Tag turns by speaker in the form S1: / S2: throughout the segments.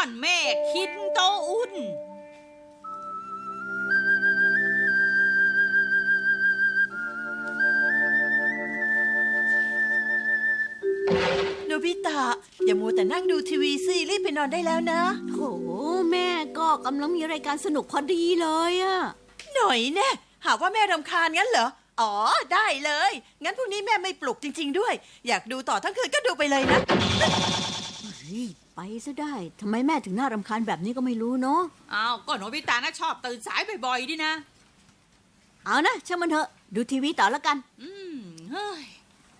S1: อนเมฆคินโตอุน
S2: โนบิตะอย่ามัวแต่นั่งดูทีวีสิรีบไปนอนได้แล้วนะ
S3: โหแม่ก็กำลังมีรายการสนุกพอดีเลยอะ
S2: หน่อยแน่หากว่าแม่รำคาญงั้นเหรออ๋อได้เลยงั้นพรุ่งนี้แม่ไม่ปลุกจริงๆด้วยอยากดูต่อทั้งคืนก็ดูไปเลยนะ
S3: รีบไปซะได้ทำไมแม่ถึงน่ารำคาญแบบนี้ก็ไม่รู้เนาะ
S1: อ้าวก็โนบิตะนะชอบตื่นสายบ่อยๆดินะ
S3: เอานะช่างมันเถอะดูทีวีต่อแล้วกัน
S1: เฮ้ย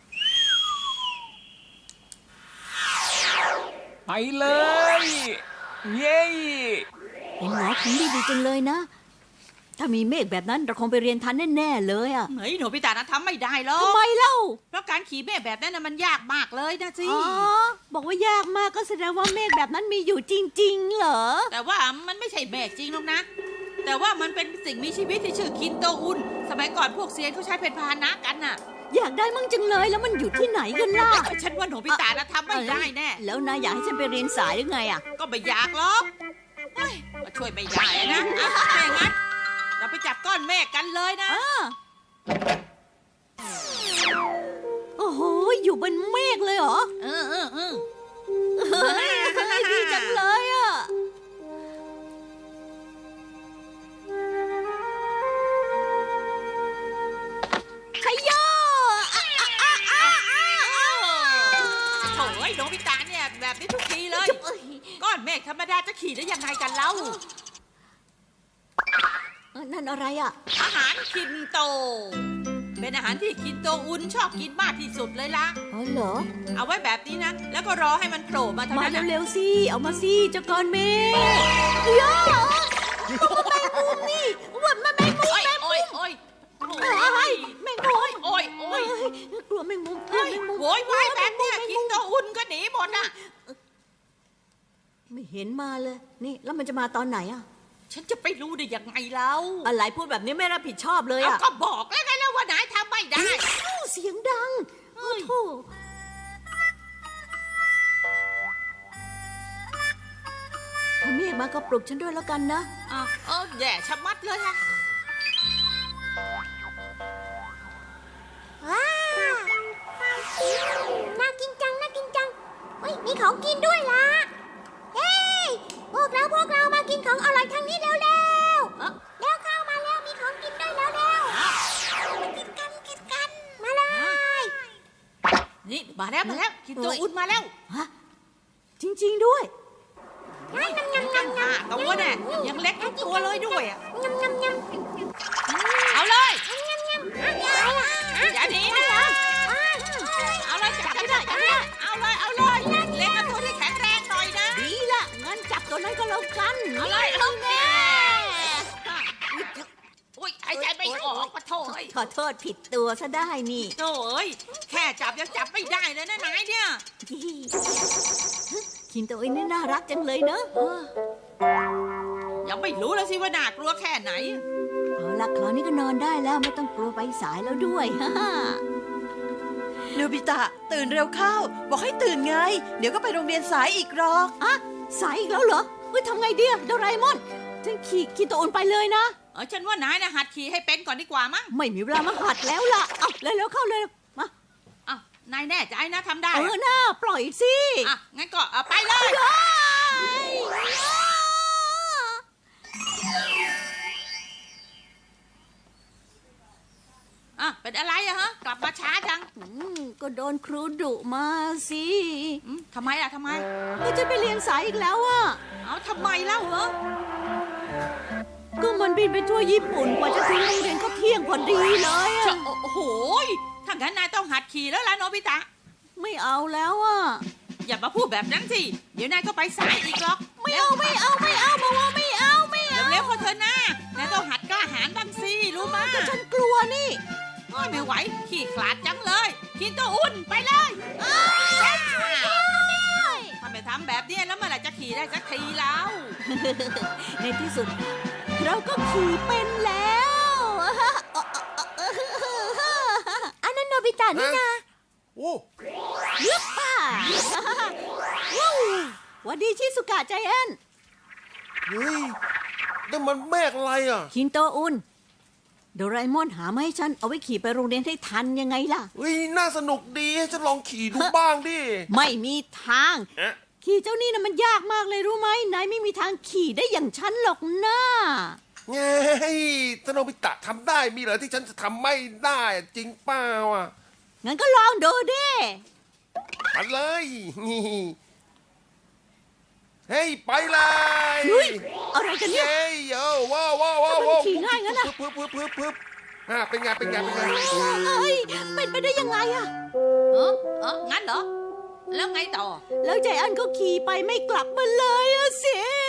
S4: ไปเลย เย้
S3: เป็นหมอคงดีจังเลยนะ ถ้ามีเมฆแบบนั้นเราคงไปเรียนทันแน่ๆเลยอะ
S1: เฮ้ยโนบิตะนะทำไม่ได้หรอก
S3: ทำไมเล่า
S1: เพราะการขี่เมฆแบบนั้นนะมันยากมากเลยนะสิ
S3: อ๋อบอกว่ายากมากก็แสดงว่าเมฆแบบนั้นมีอยู่จริงๆเหรอ
S1: แต่ว่ามันไม่ใช่เมฆจริงหรอกนะ แต่ว่ามันเป็นสิ่งมีชีวิตที่ชื่อคินโตอุนสมัยก่อนพวกเซียนเขาใช้เป็นพาหนะกันน่ะ
S3: อยากได้มั่งจังเลยแล้วมันอยู่ที่ไหนกันล่ะ
S1: ฉันว่าโนบิตะนะทำไม่ได้แน่
S3: แล้วนายอยากให้ฉันไปเรียนสายหรือไงอะ
S1: ก็ไม่อยากหรอกเฮ้ยก็ช่วยไม่ได้นะอ่ะถ้าอย่างนั้นเราไปจับก้อนเมฆกันเลยนะ
S3: โอ้โหอยู่บนเมฆเลยเหรอ
S1: เออ
S3: ดีจังเลยอ่ะชัยโย
S1: โถ่ไอ้โนบิตะเนี่ยแบบนี้ทุกทีเลย ก้อนเมฆธรรมดาจะขี่ได้ยังไงกันเล่า
S3: นั่นอะไรอ่ะ
S1: อาหารคินโต เป็นอาหารที่คินโตอุนชอบกินมากที่สุดเลยล่ะ
S3: อ๋อเหรอ
S1: เอาไว้แบบนี้นะ แล้วก็รอให้มันโผล่มาเท่า
S3: มา
S1: นั้นนะ
S3: เร็วๆสิ เอามาสิเจ้าก้อนเมฆย่าแมงมุมนี่ว่าแมงมุม
S1: โอ้ยโอ้ยโอ้ย
S3: เฮ้ยแมงมุม
S1: โอ้ย
S3: กลัวแมงมุมกลัว
S1: เฮ้ย
S3: แมงมุม
S1: โวยวายแบบเนี้ยคินโตอุนก็หนีหมดอ่ะ
S3: ไม่เห็นมาเลย นี่แล้วมันจะมาตอนไหนอ่ะ
S1: ฉันจะไปรู้ได้ยังไงเล่า
S3: อะไรพูดแบบนี้ไม่รับผิดชอบเลย
S1: เอา
S3: อ่ะ
S1: ก็บอกแล้วไงแล้วว่านายทำไม่ได้
S3: เสียงดังโอ้โหถ้าเมฆมาก็ปลุกฉันด้วยแล้วกันนะ
S1: แย่ชะมัดเลยฮะ
S5: ว้าวน่ากินจังน่ากินจังเฮ้ยมีของกินด้วยล่ะเฮ้ยพวกเรามากินของอร่อยทางนี้เร็วแล้วเข้ามาแล้วมีของกินด้วยแล้วกินกันมาเลย
S1: นี่มาแล้วคินโตอุนมาแล้ว
S3: ฮะ จริง ๆ ด้วย
S1: ตั้งห้าตัวเนี่ยยังเล็กทุกตัวเลยด้วยอ่ะ
S5: ยำยำยำ
S1: เอาเลย
S5: อะไรล่ะ
S1: อย่าหนีนะเอาเลยจับให้ได้เอาเลยเล็กกับตัวที่แข็งแรงหน่อยนะ
S3: ดีละงั้นจับตัวนั้นก็แล้วกัน
S1: เอาเลยเอาแน่อุ้ยหายใจไม่ออกปะโถ่เอ้ย
S3: ขอโทษผิดตัวซะได้นี่
S1: โถ่เอ้ยแค่จับยังจับไม่ได้เลยนะนายเนี่ย
S3: คินโตอินนี่น่ารักจังเลยเนอะ
S1: ยังไม่รู้เลยสิว่าน่ากลัวแค่ไหน
S3: เอาละคราวนี้ก็นอนได้แล้วไม่ต้องกลัวไปสายแล้วด้วย ฮ่าฮ่า
S2: โนบิตะตื่นเร็วเข้า บอกให้ตื่นไง เดี๋ยวก็ไปโรงเรียนสายอีกหรอก
S3: อะสายอีกแล้วเหรอเฮ้ยทำไงดีอะโดราเอมอนฉันขี่คินโตอินไปเลยนะ
S1: ฉันว่านายนะหัดขี่ให้เป็นก่อนดีกว่ามั้ง
S3: ไม่มีเวลามาหัดแล้วล่ะ เอาเร็วๆเข้าเลยมา
S1: นายแน่ใจนะทำได้
S3: หน้าปล่อยสิ
S1: งั้นก็ไปเลย เป็นอะไรอะฮะ กลับมาช้าจัง
S3: ก็โดนครูดุมาสิ
S1: ทำไมล่ะทำไม
S3: ก็จะไปเรียนสายอีกแล้วอ่ะ
S1: เอาทำไมเล่าเหรอ
S3: ก็มันบินไปทั่วญี่ปุ่นกว่าจะถึงโรงเรียนก็เที่ยงพอดีเลยอะ
S1: โอ้โหถ้างั้นนายต้องหัดขี่แล้วล่ะโนบิตะ
S3: ไม่เอาแล้วอ่ะ
S1: อย่ามาพูดแบบนั้นสิ เดี๋ยวนายก็ไปสายอีกหรอก
S3: ไม่เอาบอกว่าไม่เอาไม่เอา
S1: เร็วๆเขาเถอะนะนายต้องหัดกล้าหาญบ้างสิ รู้มั้ย
S3: ก็ฉันกลัวนี่
S1: ไม่ไหว ขี่ขลาดจังเลยคินโตอุ่นไปเลย ถ้าไม่ทำแบบนี้แล้วเมื่อไหร่จะขี่ได้สักทีแล้ว
S3: ในที่สุด เราก็ขี่เป็นแล้ว
S5: อันนั้นโนบิตะนี่นะ
S6: โอ้
S3: ยึบป่าว้าวหวัดดีชิสุกะใจแอน
S6: เฮ้ยนั่นมันเมฆอะไรอ่ะ
S3: คินโตอุนโดราเอมอนหามาให้ฉันเอาไว้ขี่ไปโรงเรียนให้ทันยังไงล่ะ
S6: เฮ้ยน่าสนุกดีให้ฉันลองขี่ดูบ้างดิ
S3: ไม่มีทาง
S6: เอ๊ะ
S3: ขี่เจ้านี่นะมันยากมากเลยรู้ไหมนายไม่มีทางขี่ได้อย่างฉันหรอกนะ
S6: ไงถ้าโนบิตะทำได้มีเหรอที่ฉันจะทำไม่ได้อะจริงเปล่าอ่ะ
S3: งั้นก็ลองดูดิ
S6: มาเลยนี่เฮ้ยไปเลย
S3: เฮ้ยอะไรกันเนี่ย
S6: เย้โย่ว้าวว้าวว้าว
S3: ทำไมมันขี่ง่ายงั้นอะ
S6: ปึ๊บเป็นไงเป็นไงเป็นไง
S3: เอ้ยเป็นไปได้ยังไงอะ
S1: งั้นเหรอ แล้วไงต่อ
S3: แล้วใจแอนก็ขี่ไปไม่กลับมาเลยอะสิ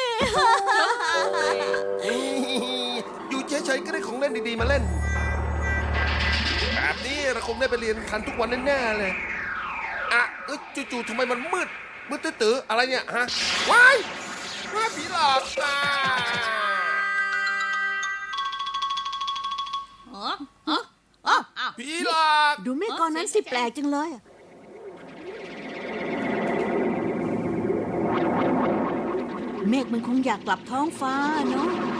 S6: อยู่เฉยๆก็ได้ของเล่นดีๆมาเล่น แบบนี้เราคงได้ไปเรียนทันทุกวันแน่ๆเลยอ่ะจู่ๆทำไมมันมืดตื้อๆอะไรเนี่ยฮะว้ายผีหลอกอ่ะ
S1: อ้าว
S6: ผีหลอก
S3: ดูเมฆก้อนนั้นสิแปลกจังเลยอะเมฆมันคงอยากกลับท้องฟ้าเนาะ